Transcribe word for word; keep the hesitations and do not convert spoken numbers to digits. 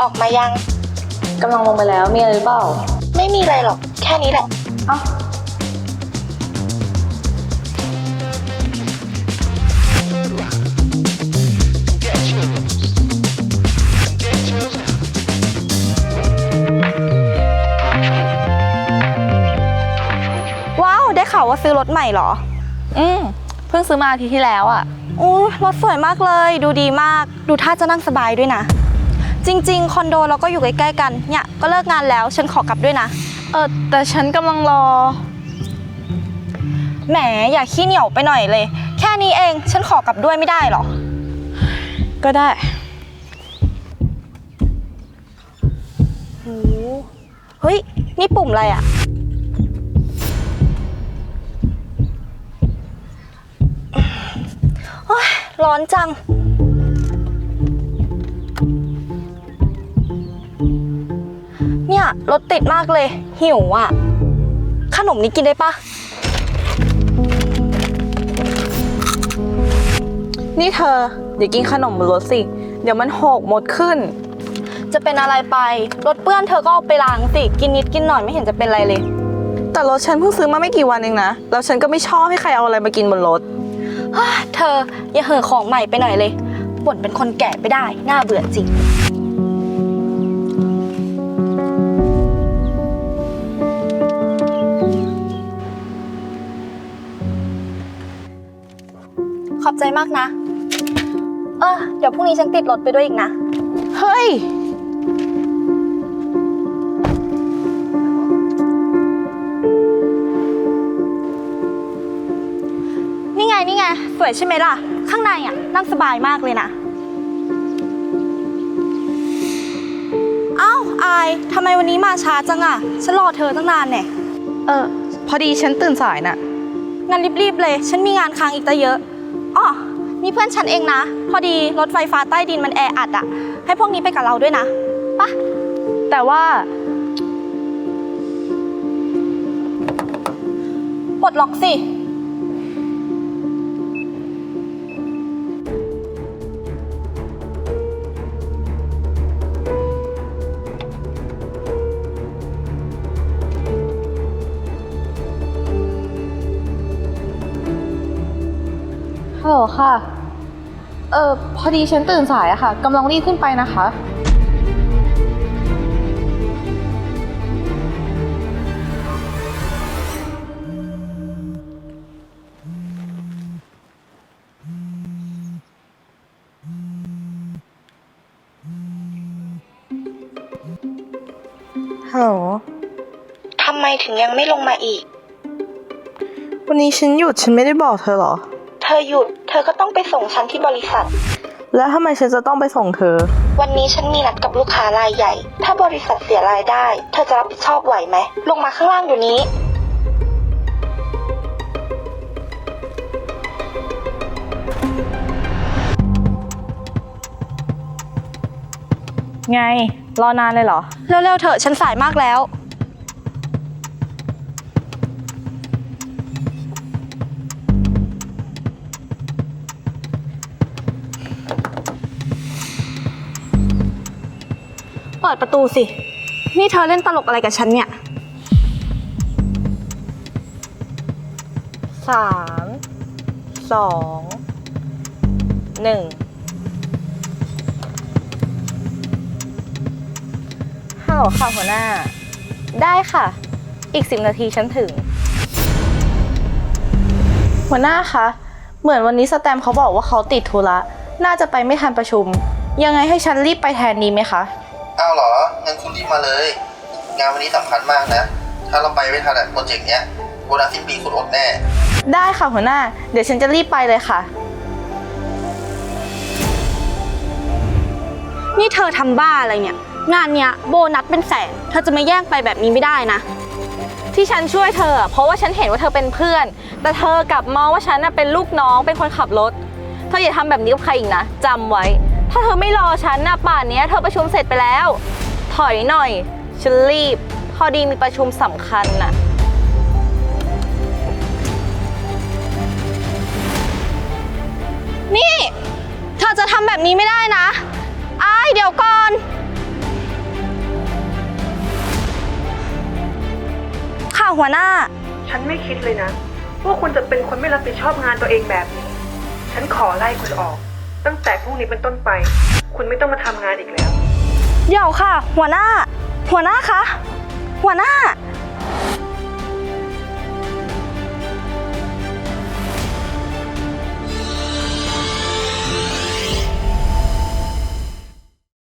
ออกมายังกำลังลงไปแล้วมีอะไรหรือเปล่าไม่มีอะไรหรอกแค่นี้แหละเอ้าว้าวได้ข่าวว่าซื้อรถใหม่เหรออืมเพิ่งซื้อมาอาทิตย์ที่แล้วอ่ะอู้รถสวยมากเลยดูดีมากดูท่าจะนั่งสบายด้วยนะจริงๆคอนโดเราก็อยู่ใกล้ๆกันเนี่ยก็เลิกงานแล้วฉันขอกลับด้วยนะเออแต่ฉันกำลังรอแหมอย่าขี้เหนียวไปหน่อยเลยแค่นี้เองฉันขอกลับด้วยไม่ได้หรอก็ได้โอ้เฮ้ยนี่ปุ่มอะไรอะโอ๊ยร้อนจังเนี่ยรถติดมากเลยหิวอ่ะขนมนี้กินได้ปะนี่เธอเดี๋ยวกินขนมบนรถสิเดี๋ยวมันหกหมดขึ้นจะเป็นอะไรไปรถเปื้อนเธอก็เอาไปล้างสิกินนิดกินหน่อยไม่เห็นจะเป็นไรเลยแต่รถฉันเพิ่งซื้อมาไม่กี่วันเองนะแล้วฉันก็ไม่ชอบให้ใครเอาอะไรมากินบนรถเธออย่าเห่อของใหม่ไปหน่อยเลยบ่นเป็นคนแก่ไปได้น่าเบื่อจริงขอบใจมากนะเออเดี๋ยวพรุ่งนี้ฉันติดรถไปด้วยอีกนะเฮ้ยนี่ไงนี่ไงสวยใช่ไหมล่ะข้างในอ่ะนั่งสบายมากเลยนะเอ้าอายทำไมวันนี้มาช้าจังอ่ะฉันรอเธอตั้งนานเนี่ยเออพอดีฉันตื่นสายน่ะงั้นรีบๆเลยฉันมีงานค้างอีกตั้งเยอะอ๋อนี่เพื่อนฉันเองนะพอดีรถไฟฟ้าใต้ดินมันแออัดอ่ะให้พวกนี้ไปกับเราด้วยนะปะแต่ว่าปลดล็อกสิฮัลโหลค่ะเออพอดีฉันตื่นสายอะค่ะกำลังรีบขึ้นไปนะคะฮัลโหลทำไมถึงยังไม่ลงมาอีกวันนี้ฉันหยุดฉันไม่ได้บอกเธอหรอเธอหยุดเธอก็ต้องไปส่งฉันที่บริษัทแล้วทำไมฉันจะต้องไปส่งเธอวันนี้ฉันมีนัดกับลูกค้ารายใหญ่ถ้าบริษัทเสียรายได้เธอจะรับผิดชอบไหวไหมลงมาข้างล่างอยู่นี้ไงรอนานเลยเหรอเร็วๆเถอะฉันสายมากแล้วเปิดประตูสินี่เธอเล่นตลกอะไรกับฉันเนี่ยสามสองหนึ่งฮัลโหลค่ะหัวหน้าได้ค่ะอีกสิบนาทีฉันถึงหัวหน้าคะเหมือนวันนี้สแตมเขาบอกว่าเขาติดธุระน่าจะไปไม่ทันประชุมยังไงให้ฉันรีบไปแทนดีไหมคะอ้าวเหรองั้นคุณรีบมาเลยงานวันนี้สำคัญมากนะถ้าเราไปไม่ทันโปรเจกต์เนี้ยโบนัสสิ้นปีคุณอดแน่ได้ค่ะหัวหน้าเดี๋ยวฉันจะรีบไปเลยค่ะนี่เธอทำบ้าอะไรเนี่ยงานเนี้ยโบนัสเป็นแสนเธอจะมาแย่งไปแบบนี้ไม่ได้นะที่ฉันช่วยเธอเพราะว่าฉันเห็นว่าเธอเป็นเพื่อนแต่เธอกลับมองว่าฉันเป็นลูกน้องเป็นคนขับรถเธออย่าทำแบบนี้กับใครอีกนะจำไว้ถ้าเธอไม่รอฉันนะป่านนี้เธอประชุมเสร็จไปแล้วถอยหน่อยฉันรีบพอดีมีประชุมสำคัญน่ะนี่เธอจะทำแบบนี้ไม่ได้นะอ้ายเดี๋ยวก่อนหัวหน้าฉันไม่คิดเลยนะว่าคุณจะเป็นคนไม่รับผิดชอบงานตัวเองแบบนี้ ฉันขอไล่คุณออก ตั้งแต่พรุ่งนี้เป็นต้นไป คุณไม่ต้องมาทำงานอีกแล้วเดี๋ยวค่ะ หัวหน้า หัวหน้าคะ หัวหน้า